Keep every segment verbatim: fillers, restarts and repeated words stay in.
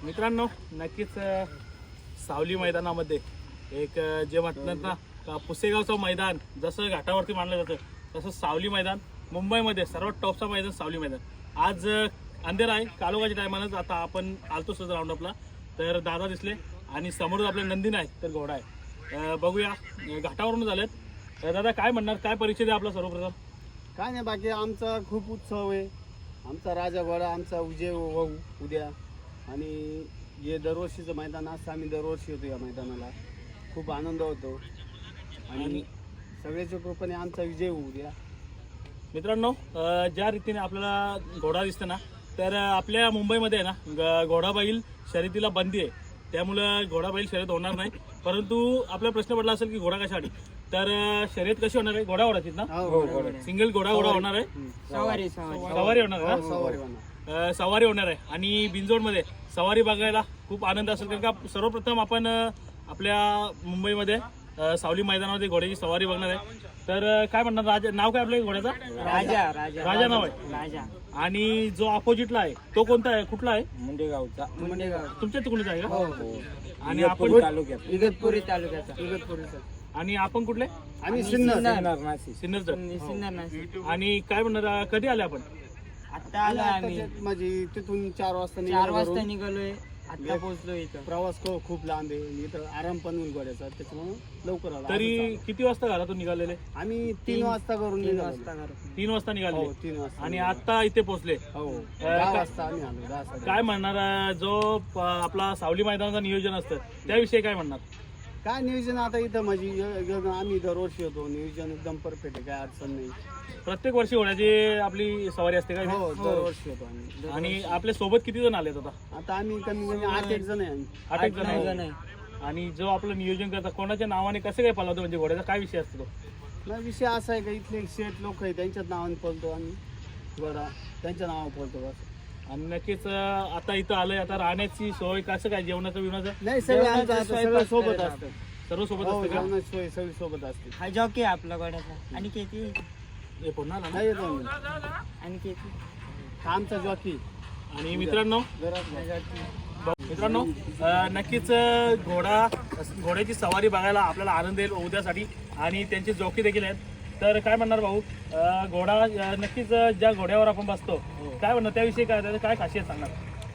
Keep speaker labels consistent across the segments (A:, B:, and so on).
A: मित्रांनो नक्कीच अ, सावली मैदानामध्ये एक अ, जे म्हणतात ना का पुसेगावचं मैदान जसं घाटावरती मानलं जातं तसं सावली मैदान मुंबईमध्ये सर्वात टॉपचं मैदान सावली मैदान. आज अ, अंधेर आहे कालोगाच्या टायमानंच आता आपण आलतो सहज राऊंडअपला तर दादा दिसले आणि समोर आपले नंदीन आहे तर घोडा आहे. अ, बघूया अ, घाटावरून झालेत. तर दादा काय म्हणणार काय परिचय द्या आपला सर्वप्रथम.
B: काय नाही बाकी आमचा खूप उत्सव आहे. आमचा राजा घोडा आमचा विजय होऊ उद्या आणि हे दरवर्षीचं मैदान असतं. आम्ही दरवर्षी होतो या मैदानाला खूप आनंद होतो आणि सगळ्याच्या कृपेने आमचा विजय होऊ द्या.
A: मित्रांनो अ, ज्या रीतीने आपल्याला घोडा दिसतं ना तर आपल्या मुंबईमध्ये आहे ना ग- घोडाबैल शर्यतीला बंदी आहे त्यामुळं घोडाबैल शर्यत होणार नाही. परंतु आपला प्रश्न पडला असेल की घोडा कशासाठी तर अ, शर्यत कशी होणार आहे घोडा घोडाचीच ना सिंगल घोडा घोडा होणार आहे
C: सवारी
A: सवारी होणार
B: हो,
A: आहे
B: सवारी
A: ना?
B: होणार.
A: अ, सवारी होणार आहे आणि बिनजोडमध्ये सवारी बघायला खूप आनंद असेल कारण का सर्वप्रथम आपण अ, आपल्या मुंबईमध्ये अ, सावली मैदानामध्ये घोड्याची सवारी बघणार आहे. तर अ, काय म्हणणार राजा नाव काय आपल्या घोड्याचा
C: राजा राजा
A: राजा नाव आहे
C: राजा
A: आणि जो अपोजिटला आहे तो कोणता आहे कुठला आहे
C: मुंडेगावचा मुंडेगाव
A: तुमच्या तिकडूनच आहे
C: हो
A: का
C: हो
A: आणि आपण
C: तालुक्यात इगतपुरी तालुक्याचा
B: इगतपुरीचा.
A: आणि आपण कुठले
B: आम्ही सिन्नर
C: नाशिक
A: सिन्नरचं
C: सिन्नर नाशिक
A: आणि काय म्हणणार अ, कधी आले आपण
C: आता आलो आम्ही
B: म्हणजे तिथून चार वाजता
C: चार
B: निघालो
C: वाजता
B: घरून.
C: निघालोय आता पोहोचलो इथं.
B: प्रवास खूप खूप लांब आहे इथं आराम पण होईल घोड्याचा त्याच्यामुळे लवकर आलो.
A: तरी किती वाजता घरातून निघालेले
B: आम्ही तीन वाजता करून
C: तीन
B: निघालो.
C: वाजता घरातून.
A: तीन वाजता निघाले
B: हो तीन वाजता
A: आणि आता इथे पोहोचले.
B: हो दहा वाजता आम्ही आलो दहा साडे
A: काय म्हणणार अ, जो प- आपला सावली मैदानाचं नियोजन असतं त्याविषयी काय म्हणणार.
B: काय नियोजन आता इथं म्हणजे य- य- आम्ही दरवर्षी होतो नियोजन एकदम परफेक्ट आहे काय अडचण नाही.
A: प्रत्येक वर्षी घोड्याची आपली सवारी असते काय
B: हो दरवर्षी होतो आम्ही.
A: आणि आपल्या सोबत किती जण आलेत आता
B: आता आम्ही कमी कमी आठ एक जण आहे आम्ही.
A: आठ एक
C: आठ नऊ
A: जण
C: जण
A: आहे.
C: आहे.
A: आणि जो आपलं नियोजन करतात कोणाच्या नावाने कसं काय पालवतो म्हणजे घोड्याचा काय विषय असतो तो.
B: नाही, विषय असा आहे का इथले शेठ लोक आहे त्यांच्याच नावाने पळतो आम्ही बरं त्यांच्या नावावर पळतो बस.
A: आणि नक्कीच अं, आता इथं आलंय आता राहण्याची सोय कसं काय जेवणाचं बिवणाचं
B: नाही सगळे आमचं
C: जेवणाचं
B: आता सगळं
C: स्वयंपाक
B: सोबत
C: करायला
B: असतं.
A: सर्व सोबत
B: हो
A: असतं का
B: जेवणाची सोय सगळी सोबत असते.
C: हा जॉकी आहे आपला घोड्याचा आणि केती
A: हे पुन्हा आला ना?
B: नाही येतो आम्ही.
C: आणि केती
B: आमचा जॉकी
A: आणि मित्रांनो
B: घरात
A: मित्रांनो अं, नक्कीच अं, घोडा घोड्याची सवारी बघायला आपल्याला आनंद येईल उद्यासाठी आणि त्यांचे जॉकी देखील आहेत. तर काय म्हणणार भाऊ अं, घोडा अं, नक्कीच अं, ज्या घोड्यावर आपण बसतो काय म्हणणार त्याविषयी काय त्याचं काय खासियत सांगणार.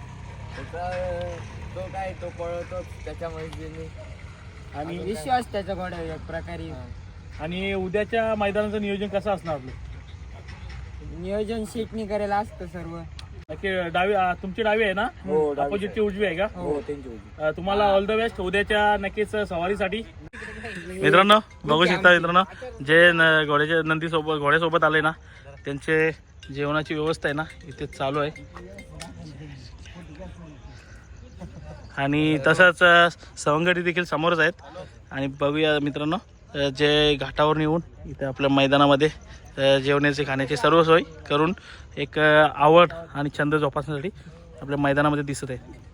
C: तो काय तो पळवतो त्याच्यामुळे
A: आणि
C: विश्वास त्याच्या घोड्यावर एक प्रकारे
A: आणि उद्याच्या मैदानाचं नियोजन कसं असणार आपलं
C: नियोजन शेटणी करायला असतं सर्व.
A: नक्की डावी अं, तुमची डावी आहे ना
C: हो, डावी
A: अपोजिटची उजवी आहे का
C: हो
A: अं, तुम्हाला ऑल द बेस्ट उद्याच्या नक्कीच सवारीसाठी. मित्रांनो बघू शकता मित्रांनो जे न- घोड्याच्या नंदी सोबत घोड्यासोबत आले ना त्यांचे जेवणाची व्यवस्था आहे ना इथे चालू आहे. आणि तसंच अ, सवंगडी देखील समोरच आहेत. आणि बघूया मित्रांनो अ, जे घाटावर येऊन इथे आपल्या मैदानामध्ये अ, जेवणाचे खाण्याची सर्व सोय करून एक अ, आवड आणि छंद जोपासण्यासाठी आपल्या मैदानामध्ये दिसत आहे.